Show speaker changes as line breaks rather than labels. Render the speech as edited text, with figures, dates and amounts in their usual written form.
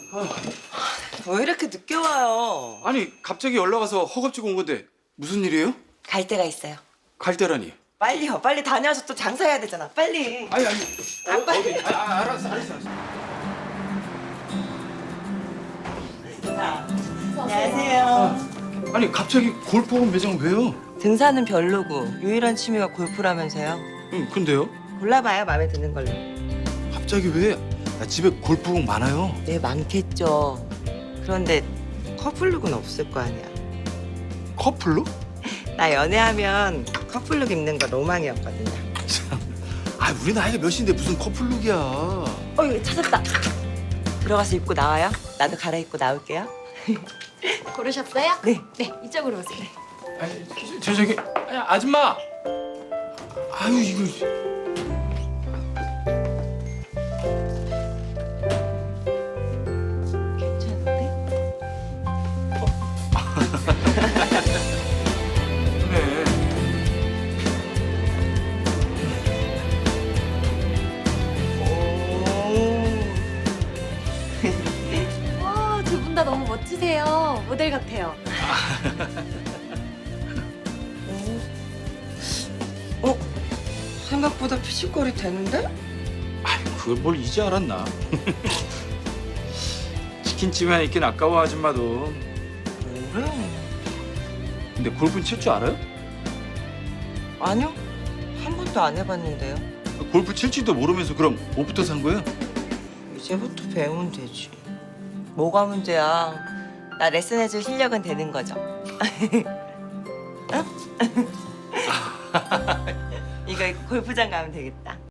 왜 이렇게 늦게 와요?
아니 갑자기 연락 와서 허겁지겁 온 건데 무슨 일이에요?
갈 데가 있어요.
갈 때라니.
빨리요. 빨리 다녀와서 또 장사해야 되잖아. 빨리.
아니
빨리.
알았어.
안녕하세요.
아니 갑자기 골프원 매장 왜요?
등산은 별로고 유일한 취미가 골프라면서요.
응 근데요?
골라봐요. 마음에 드는 걸로.
갑자기 왜? 나 집에 골프공 많아요.
네, 많겠죠. 그런데 커플룩은 없을 거 아니야.
커플로?
나 연애하면 커플룩 입는 거 로망이었거든요.
아 우리 나이가 몇인데 무슨 커플룩이야.
여기 찾았다. 들어가서 입고 나와요. 나도 갈아입고 나올게요.
고르셨어요?
네.
네, 이쪽으로 오세요.
아니 저기 아니, 아줌마. 아유 이거.
괜찮은데?
그래.
두 분 다 너무 멋지세요. 모델 같아요.
생각보다 피식거리 되는데?
아이 그걸 뭘 이제 알았나. 치킨집에 있긴 아까워 아줌마도.
그래?
근데 골프는 칠 줄 알아요?
아니요. 한 번도 안 해봤는데요.
골프 칠 줄도 모르면서 그럼 옷부터 산 거예요?
이제부터 배우면 되지. 뭐가 문제야? 나 레슨해줄 실력은 되는 거죠. 응? 이거 입고 골프장 가면 되겠다.